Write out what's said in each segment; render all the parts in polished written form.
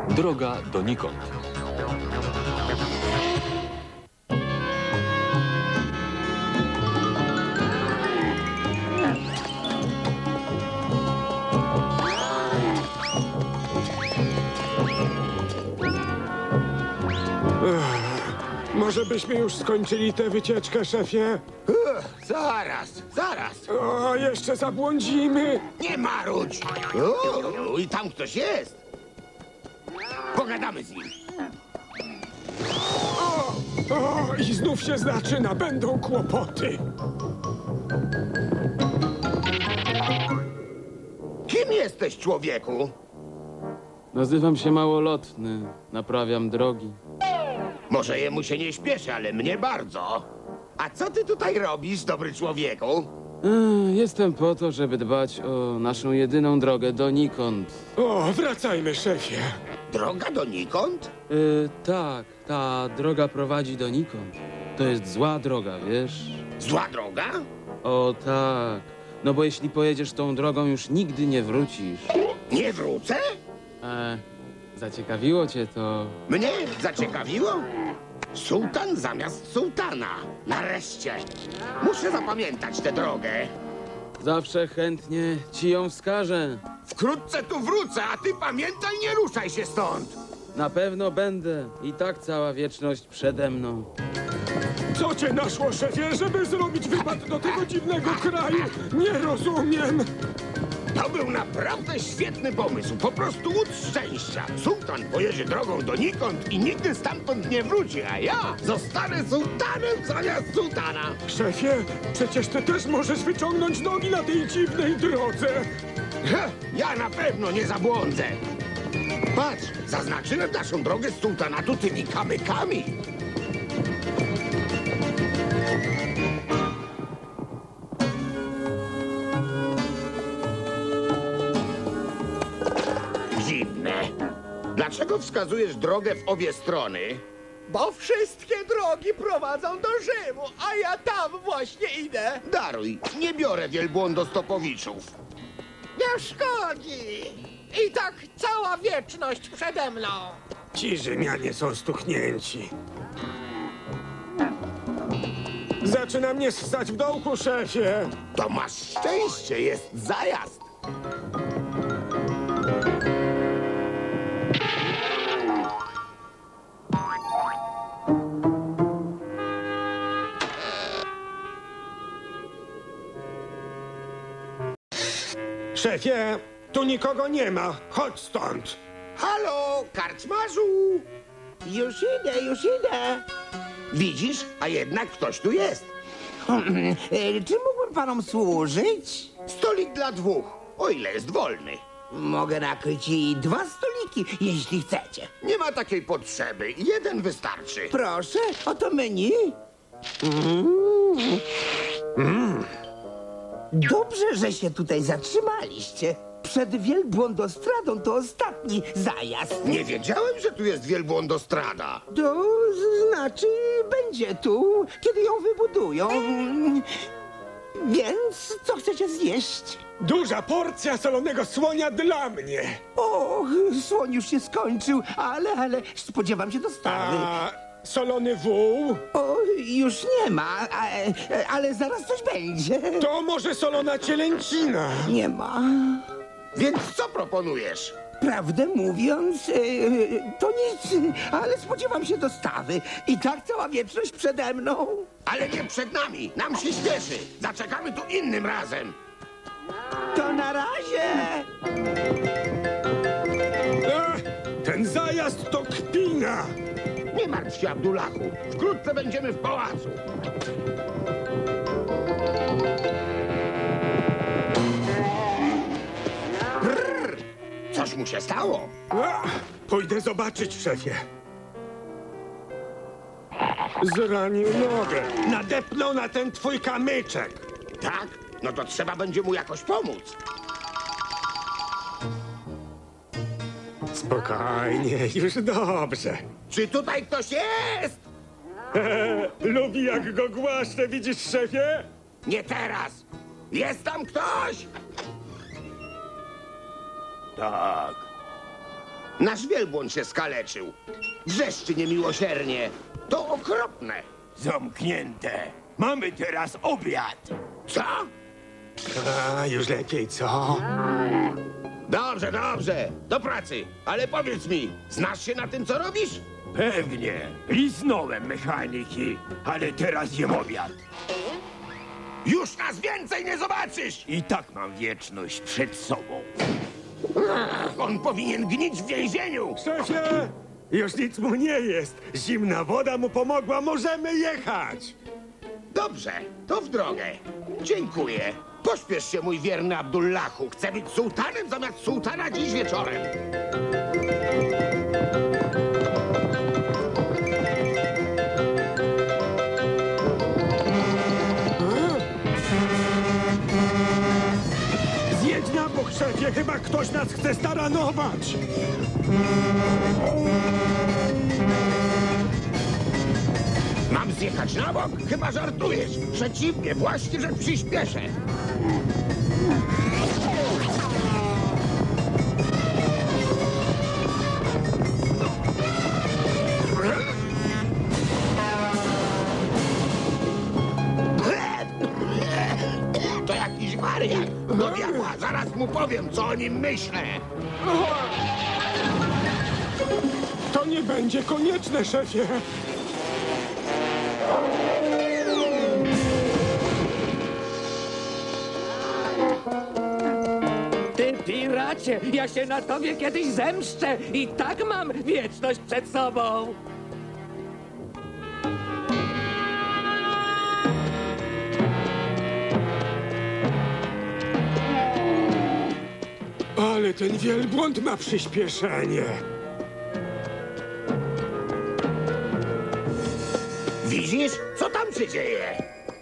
Droga donikąd. Może byśmy już skończyli tę wycieczkę, szefie? Zaraz. O, jeszcze zabłądzimy. Nie marudź. I tam ktoś jest. Pogadamy z nim. O, i znów się zaczyna. Będą kłopoty. Kim jesteś, człowieku? Nazywam się Małolotny. Naprawiam drogi. Może jemu się nie śpieszy, ale mnie bardzo. A co ty tutaj robisz, dobry człowieku? Jestem po to, żeby dbać o naszą jedyną drogę donikąd. O, wracajmy, szefie. Droga donikąd? Tak, ta droga prowadzi donikąd. To jest zła droga, wiesz? Zła droga? O tak. No bo jeśli pojedziesz tą drogą, już nigdy nie wrócisz. Nie wrócę? Zaciekawiło cię to. Mnie zaciekawiło? Sułtan zamiast sułtana. Nareszcie. Muszę zapamiętać tę drogę. Zawsze chętnie ci ją wskażę. Wkrótce tu wrócę, a ty pamiętaj, nie ruszaj się stąd. Na pewno będę. I tak cała wieczność przede mną. Co cię naszło, szefie, żeby zrobić wypad do tego dziwnego kraju? Nie rozumiem. To był naprawdę świetny pomysł. Po prostu łód szczęścia. Sułtan pojedzie drogą donikąd i nigdy stamtąd nie wróci, a ja zostanę sułtanem zamiast sułtana. Szefie, przecież ty też możesz wyciągnąć nogi na tej dziwnej drodze. Ja na pewno nie zabłądzę. Patrz, zaznaczyłem naszą drogę z sułtanatu tymi kamykami. Dziwne. Dlaczego wskazujesz drogę w obie strony? Bo wszystkie drogi prowadzą do Rzymu, a ja tam właśnie idę. Daruj, nie biorę wielbłądostopowiczów. Nie szkodzi. I tak cała wieczność przede mną. Ci Rzymianie są stuchnięci. Zaczyna mnie ssać w dołku, szefie. To masz szczęście, jest zajazd. Szefie, tu nikogo nie ma. Chodź stąd. Halo, karczmarzu! Już idę. Widzisz, a jednak ktoś tu jest. Czy mógłbym panom służyć? Stolik dla dwóch, o ile jest wolny. Mogę nakryć i 2 stoliki, jeśli chcecie. Nie ma takiej potrzeby, jeden wystarczy. Proszę, oto menu. Dobrze, że się tutaj zatrzymaliście. Przed wielbłądostradą to ostatni zajazd. Nie wiedziałem, że tu jest wielbłądostrada. To znaczy, będzie tu, kiedy ją wybudują. Więc co chcecie zjeść? Duża porcja solonego słonia dla mnie. O, słoń już się skończył, ale spodziewam się dostawy. A solony wół? O, już nie ma, ale zaraz coś będzie. To może solona cielęcina. Nie ma. Więc co proponujesz? Prawdę mówiąc, to nic, ale spodziewam się dostawy. I tak cała wieczność przede mną. Ale nie przed nami, nam się śpieszy. Zaczekamy tu innym razem. To na razie. Ten zajazd to kpina. Nie martw się, Abdullahu. Wkrótce będziemy w pałacu. Brrr, coś mu się stało. Pójdę zobaczyć, szefie. Zranił nogę. Nadepnął na ten twój kamyczek. Tak? No to trzeba będzie mu jakoś pomóc. Spokojnie, już dobrze. Czy tutaj ktoś jest? Lubi jak go głaszczę, widzisz, szefie? Nie teraz. Jest tam ktoś? Tak. Nasz wielbłąd się skaleczył. Wrzeszczy niemiłosiernie. To okropne. Zamknięte. Mamy teraz obiad. Co? A, już lepiej, co? Dobrze, dobrze. Do pracy. Ale powiedz mi, znasz się na tym, co robisz? Pewnie. Liznąłem mechaniki, ale teraz jem obiad. Już nas więcej nie zobaczysz! I tak mam wieczność przed sobą. On powinien gnić w więzieniu! Szefie! Już nic mu nie jest. Zimna woda mu pomogła, możemy jechać. Dobrze, to w drogę. Dziękuję. Pośpiesz się, mój wierny Abdullahu. Chcę być sułtanem zamiast sułtana dziś wieczorem. Zjedź na bok, szefie, chyba ktoś nas chce staranować. Mam zjechać na bok? Chyba żartujesz. Przeciwnie, właśnie, że przyspieszę. To jakiś wariat. Do diabła, zaraz mu powiem, co o nim myślę. To nie będzie konieczne, szefie. Ty piracie, ja się na tobie kiedyś zemszczę i tak mam wieczność przed sobą. Ale ten wielbłąd ma przyspieszenie. Widzisz, co tam się dzieje?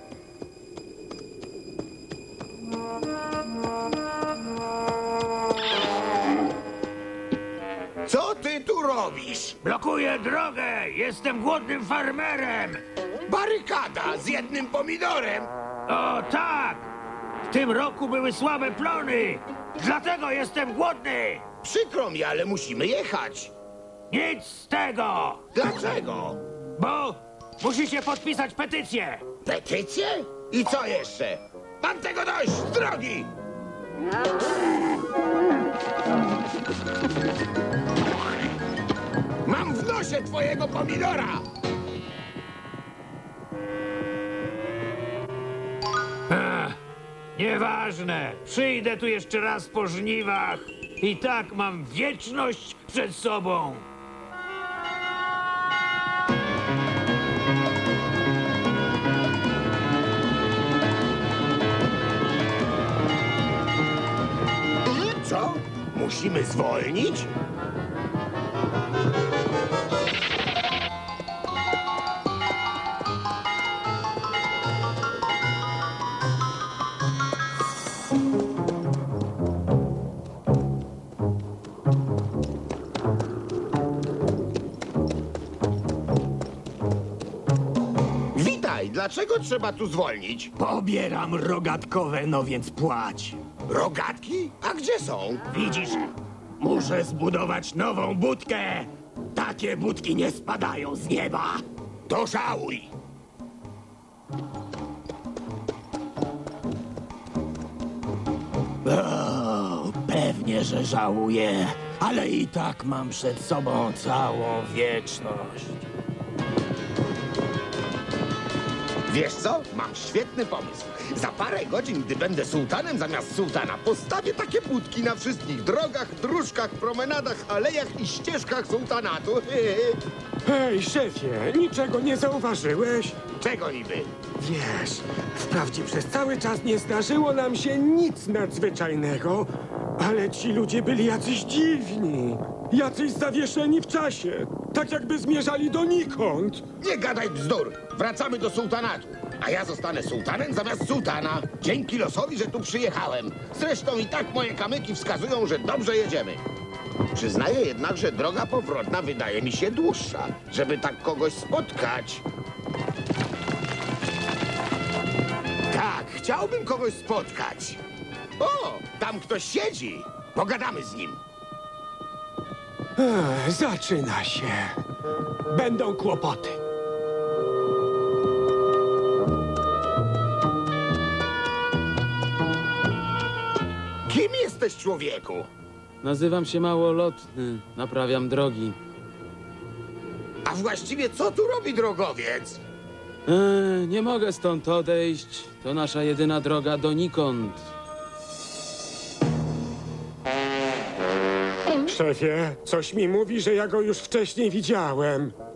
Co ty tu robisz? Blokuję drogę! Jestem głodnym farmerem! Barykada z jednym pomidorem. O tak! W tym roku były słabe plony! Dlatego jestem głodny! Przykro mi, ale musimy jechać. Nic z tego! Dlaczego? Bo musicie podpisać petycję! Petycję? I co jeszcze? Mam tego dość! Z drogi! Mam w nosie twojego pomidora! Nieważne! Przyjdę tu jeszcze raz po żniwach! I tak mam wieczność przed sobą! Co? Musimy zwolnić? Witaj, dlaczego trzeba tu zwolnić? Pobieram rogatkowe, no więc płać. Rogatki? A gdzie są? Widzisz, muszę zbudować nową budkę. Takie budki nie spadają z nieba. To żałuj! O, pewnie, że żałuję, ale i tak mam przed sobą całą wieczność. Wiesz co? Mam świetny pomysł. Za parę godzin, gdy będę sułtanem zamiast sułtana, postawię takie budki na wszystkich drogach, dróżkach, promenadach, alejach i ścieżkach sułtanatu. Hej, szefie, niczego nie zauważyłeś? Czego niby? Wiesz, wprawdzie przez cały czas nie zdarzyło nam się nic nadzwyczajnego, ale ci ludzie byli jacyś dziwni, jacyś zawieszeni w czasie, tak jakby zmierzali donikąd. Nie gadaj bzdur! Wracamy do sułtanatu. A ja zostanę sułtanem zamiast sułtana. Dzięki losowi, że tu przyjechałem. Zresztą i tak moje kamyki wskazują, że dobrze jedziemy. Przyznaję jednak, że droga powrotna wydaje mi się dłuższa, żeby tak kogoś spotkać. Tak, chciałbym kogoś spotkać. O, tam ktoś siedzi. Pogadamy z nim. Zaczyna się. Będą kłopoty. Kim jesteś, człowieku? Nazywam się Małolotny, naprawiam drogi. A właściwie co tu robi drogowiec? Nie mogę stąd odejść. To nasza jedyna droga donikąd. Szefie, coś mi mówi, że ja go już wcześniej widziałem.